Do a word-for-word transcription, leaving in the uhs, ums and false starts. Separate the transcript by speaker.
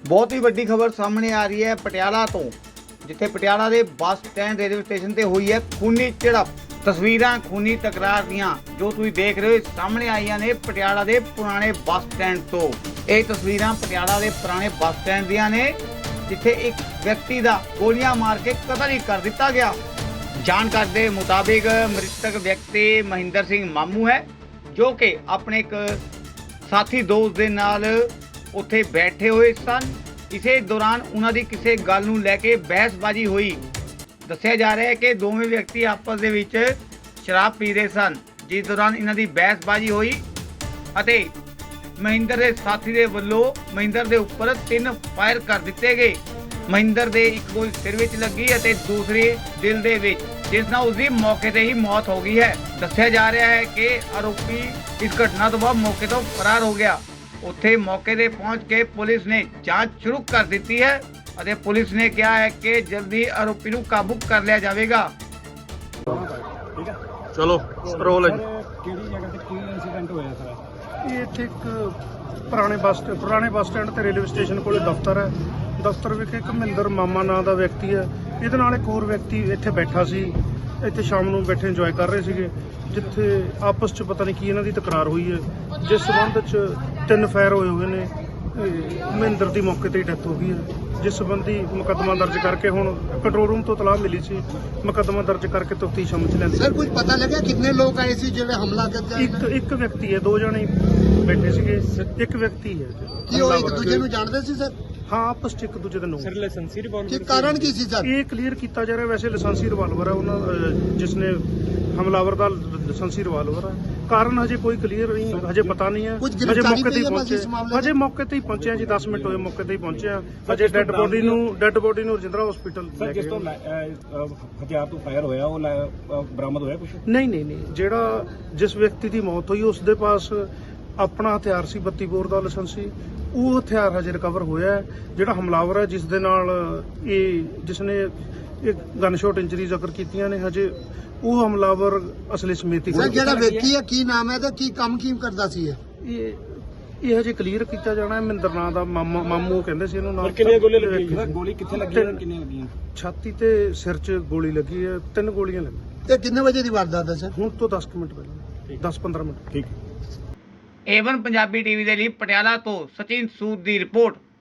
Speaker 1: ਬਹੁਤ ਹੀ ਵੱਡੀ ਖਬਰ ਸਾਹਮਣੇ ਆ ਰਹੀ ਹੈ ਪਟਿਆਲਾ ਤੋਂ, ਜਿੱਥੇ ਪਟਿਆਲਾ ਦੇ ਬੱਸ ਸਟੈਂਡ ਰੇਲਵੇ ਸਟੇਸ਼ਨ ਤੇ ਹੋਈ ਹੈ ਖੂਨੀ ਝੜਪ। ਤਸਵੀਰਾਂ ਖੂਨੀ ਤਕਰਾਰ ਦੀਆਂ ਜੋ ਤੁਸੀਂ ਦੇਖ ਰਹੇ ਹੋ ਸਾਹਮਣੇ ਆਈਆਂ ਨੇ ਪਟਿਆਲਾ ਦੇ ਪੁਰਾਣੇ ਬੱਸ ਸਟੈਂਡ ਤੋਂ। ਇਹ ਤਸਵੀਰਾਂ ਪਟਿਆਲਾ ਦੇ ਪੁਰਾਣੇ ਬੱਸ ਸਟੈਂਡ ਦੀਆਂ ਨੇ, ਜਿੱਥੇ ਇੱਕ ਵਿਅਕਤੀ ਦਾ ਗੋਲੀਆਂ ਮਾਰ ਕੇ ਕਤਲ ਹੀ ਕਰ ਦਿੱਤਾ ਗਿਆ। ਜਾਣਕਾਰੀ ਦੇ ਮੁਤਾबिक ਮ੍ਰਿਤਕ ਵਿਅਕਤੀ ਮਹਿੰਦਰ ਸਿੰਘ ਮਾਮੂ ਹੈ, ਜੋ ਕਿ ਆਪਣੇ ਇੱਕ ਸਾਥੀ ਦੋਸਤ ਦੇ ਨਾਲ ਉੱਥੇ ਬੈਠੇ ਹੋਏ ਸਨ। ਇਸੇ ਦੌਰਾਨ ਉਹਨਾਂ ਦੀ ਕਿਸੇ ਗੱਲ ਨੂੰ ਲੈ ਕੇ ਬਹਿਸਬਾਜ਼ੀ ਹੋਈ। ਦੱਸਿਆ ਜਾ ਰਿਹਾ ਹੈ ਕਿ ਦੋਵੇਂ ਵਿਅਕਤੀ ਆਪਸ ਦੇ ਵਿੱਚ ਸ਼ਰਾਬ ਪੀ ਰਹੇ ਸਨ, ਜਿਸ ਦੌਰਾਨ ਇਹਨਾਂ ਦੀ ਬਹਿਸਬਾਜ਼ੀ ਹੋਈ ਅਤੇ ਮਹਿੰਦਰ ਦੇ ਸਾਥੀ ਦੇ ਵੱਲੋਂ ਮਹਿੰਦਰ ਦੇ ਉੱਪਰ ਤਿੰਨ ਫਾਇਰ ਕਰ ਦਿੱਤੇ ਗਏ। ਮਹਿੰਦਰ ਦੇ ਇੱਕ ਗੋਲੀ ਸਿਰ ਵਿੱਚ ਲੱਗੀ ਅਤੇ ਦੂਸਰੀ ਦਿਲ ਦੇ ਵਿੱਚ, ਜਿਸ ਨਾਲ ਉਸਦੀ ਮੌਕੇ ਤੇ ਹੀ ਮੌਤ ਹੋ ਗਈ ਹੈ। ਦੱਸਿਆ ਜਾ ਰਿਹਾ ਹੈ ਕਿ ਆਰੋਪੀ ਇਸ ਘਟਨਾ ਤੋਂ ਬਾਅਦ ਮੌਕੇ ਤੋਂ ਫਰਾਰ ਹੋ ਗਿਆ। ਉੱਥੇ ਮੌਕੇ ਤੇ ਪਹੁੰਚ ਕੇ ਪੁਲਿਸ ਨੇ ਜਾਂਚ ਸ਼ੁਰੂ ਕਰ ਦਿੱਤੀ ਹੈ ਅਤੇ ਪੁਲਿਸ ਨੇ ਕਿਹਾ ਹੈ ਕਿ ਜਲਦੀ ਆਰੋਪੀ ਨੂੰ ਕਾਬੂ ਕਰ ਲਿਆ ਜਾਵੇਗਾ।
Speaker 2: ਚਲੋ ਰੋਲ ਹੈ।
Speaker 3: ਕਿਹੜੀ ਜਗ੍ਹਾ ਤੇ ਕੀ ਇਨਸੀਡੈਂਟ ਹੋਇਆ ਸਰ?
Speaker 4: ਇਹ ਇੱਥੇ ਇੱਕ ਪੁਰਾਣੇ ਬੱਸ ਪੁਰਾਣੇ ਬੱਸ ਸਟੈਂਡ ਤੇ ਰੇਲਵੇ ਸਟੇਸ਼ਨ ਕੋਲੇ ਦਫ਼ਤਰ ਹੈ। ਦਫ਼ਤਰ ਵਿਖੇ ਇੱਕ ਮਹਿੰਦਰ ਮਾਮਾ ਨਾਂ ਦਾ ਵਿਅਕਤੀ ਹੈ, ਇਹਦੇ ਨਾਲ ਇੱਕ ਹੋਰ ਵਿਅਕਤੀ ਇੱਥੇ ਬੈਠਾ ਸੀ। ਇੱਥੇ ਸ਼ਾਮ ਨੂੰ ਬੈਠੇ ਇੰਜੋਏ ਕਰ ਰਹੇ ਸੀਗੇ, ਜਿੱਥੇ ਆਪਸ 'ਚ ਪਤਾ ਨਹੀਂ ਕੀ ਇਹਨਾਂ ਦੀ ਤਕਰਾਰ ਹੋਈ ਹੈ, ਜਿਸ ਸੰਬੰਧ 'ਚ ਤਿੰਨ ਫਾਇਰ ਹੋਏ ਹੋਏ ਨੇ। ਮਹਿੰਦਰ ਦੀ ਮੌਕੇ ਤੇ ਹੀ ਡੈਥ ਹੋ ਗਈ ਹੈ, ਜਿਸ ਸੰਬੰਧੀ ਮੁਕੱਦਮਾ ਦਰਜ ਕਰਕੇ ਹੁਣ ਕੰਟਰੋਲ ਰੂਮ ਤੋਂ ਤਲਾਹ ਮਿਲੀ ਸੀ। ਮੁਕੱਦਮਾ ਦਰਜ ਕਰਕੇ ਤਫਤੀਸ਼ ਅਮਲ 'ਚ ਲੈਂਦੀ।
Speaker 5: ਸਰ ਕੁਝ ਪਤਾ ਲੱਗਿਆ ਕਿੰਨੇ ਲੋਕ ਆਏ ਸੀ ਜਿਹੜੇ ਹਮਲਾ ਕਰਦੇ?
Speaker 4: ਇੱਕ ਇੱਕ ਵਿਅਕਤੀ ਹੈ, ਦੋ ਜਣੇ ਬੈਠੇ ਸੀਗੇ, ਇੱਕ ਵਿਅਕਤੀ ਹੈ।
Speaker 5: ਕੀ ਉਹ ਇੱਕ ਦੂਜੇ ਨੂੰ ਜਾਣਦੇ ਸੀ ਸਰ?
Speaker 4: ਹਾਂ, ਆਪਸ 'ਚ ਇੱਕ ਦੂਜੇ ਦੇ ਨੂੰ।
Speaker 3: ਸਰ ਲਾਇਸੈਂਸੀ ਰਿਵਾਲਵਰ
Speaker 5: ਕੀ ਕਾਰਨ ਕੀ ਸੀ ਸਰ?
Speaker 4: ਇਹ ਕਲੀਅਰ ਕੀਤਾ ਜਾ ਰਿਹਾ। ਵੈਸੇ ਲਾਇਸੈਂਸੀ ਰਿਵਾਲਵਰ ਹੈ ਉਹਨਾਂ, ਅਹ, ਜਿਸ ਨੇ ਹਮਲਾਵਰ ਦਾ ਲਾਇਸੈਂਸੀ ਰਿਵਾਲਵਰ ਹੈ। ਕਾਰਨ ਹਜੇ ਕੋਈ ਕਲੀਅਰ ਨਹੀਂ, ਹਜੇ ਪਤਾ ਨਹੀਂ ਹੈ।
Speaker 5: ਕੁਝ
Speaker 4: ਹਜੇ
Speaker 5: ਗ੍ਰਿਫਤਾਰੀ
Speaker 4: ਮੌਕੇ ਤੇ ਹੀ
Speaker 5: ਪਈ ਹੈ ਬਸ
Speaker 4: ਪਹੁੰਚੇ
Speaker 5: ਇਸ ਮਾਮਲੇ
Speaker 4: ਹਜੇ ਮੌਕੇ ਤੇ ਹੀ ਪਹੁੰਚੇ ਹਾਂ ਜੀ। ਦਸ ਮਿੰਟ ਹੋਏ ਮੌਕੇ ਤੇ ਹੀ ਪਹੁੰਚੇ ਹਾਂ। ਹਜੇ ਡੈੱਡ ਬੋਡੀ ਨੂੰ ਡੈੱਡ ਬੋਡੀ ਨੂੰ ਰਜਿੰਦਰਾ ਹਸਪੀਟਲ
Speaker 3: ਸਰ ਜਿਸ ਤੋਂ ਲੈ- ਅਹ, ਅਹ, ਹਥਿਆਰ ਤੋਂ ਫਾਇਰ ਹੋਇਆ ਉਹ ਲੈ- ਅਹ, ਬਰਾਮਦ ਹੋਇਆ ਕੁਝ?
Speaker 4: ਨਹੀਂ ਨਹੀਂ ਨਹੀਂ ਜਿਹੜਾ ਜਿਸ ਵਿਅਕਤੀ ਦੀ ਮੌਤ ਹੋਈ ਉਸ ਦੇ ਪਾਸ ਆਪਣਾ ਹਥਿਆਰ ਸੀ, ਬੱਤੀ ਬੋਰ ਦਾ ਲਾਇਸੈਂਸੀ। ਉਹ ਹਥਿਆਰ ਹਜੇ ਰਿਕਵਰ ਹੋਇਆ ਹੈ। ਜਿਹੜਾ ਹਮਲਾਵਰ ਹੈ, ਜਿਸ ਦੇ ਨਾਲ ਇਹ ਜਿਸ ਨੇ ਇਹ ਗਨ ਸ਼ਾਟ ਇੰਜਰੀ ਜ਼ਿਕਰ ਕੀਤੀਆਂ ਨੇ, ਹਜੇ ਉਹ ਹਮਲਾਵਰ ਅਸਲੇ ਸਮੇਤ ਹੀ
Speaker 5: ਸਰ ਜਿਹੜਾ ਵਿਅਕਤੀ ਹੈ ਕੀ ਨਾਮ ਹੈ ਤੇ ਕੀ ਕੰਮ ਕੀ ਕਰਦਾ ਸੀ ਇਹ?
Speaker 4: ਇਹ ਇਹ ਹਜੇ ਕਲੀਅਰ ਕੀਤਾ ਜਾਣਾ ਹੈ। ਮਹਿੰਦਰ ਨਾਂ ਦਾ ਮਾਮਾ ਮਾਮੂ ਕਹਿੰਦੇ ਸੀ ਇਹਨੂੰ। ਨਾਲ
Speaker 3: ਕਿੰਨੀਆਂ ਗੋਲੀਆਂ ਲੱਗੀਆਂ ਸਰ? ਗੋਲੀ ਕਿੱਥੇ ਲੱਗੀ ਹੈ?
Speaker 4: ਤਿੰਨ-
Speaker 3: ਕਿੰਨੀਆਂ ਲੱਗੀਆਂ?
Speaker 4: ਛਾਤੀ ਤੇ ਸਿਰ 'ਚ ਗੋਲੀ ਲੱਗੀ ਹੈ। ਤਿੰਨ ਗੋਲੀਆਂ ਲੱਗੀਆਂ।
Speaker 5: ਤੇ ਕਿੰਨੇ ਵਜੇ ਦੀ ਵਾਰਦਾਤ ਹੈ ਸਰ?
Speaker 4: ਹੁਣ ਤੋਂ ਦਸ ਕੁ ਮਿੰਟ ਪਹਿਲਾਂ, ਦਸ ਪੰਦਰਾਂ ਮਿੰਟ।
Speaker 3: ਠੀਕ।
Speaker 1: ਏਵਨ ਪੰਜਾਬੀ ਟੀਵੀ ਦੇ ਲਈ ਪਟਿਆਲਾ ਤੋਂ ਸਚਿਨ ਸੂਦ ਦੀ ਰਿਪੋਰਟ।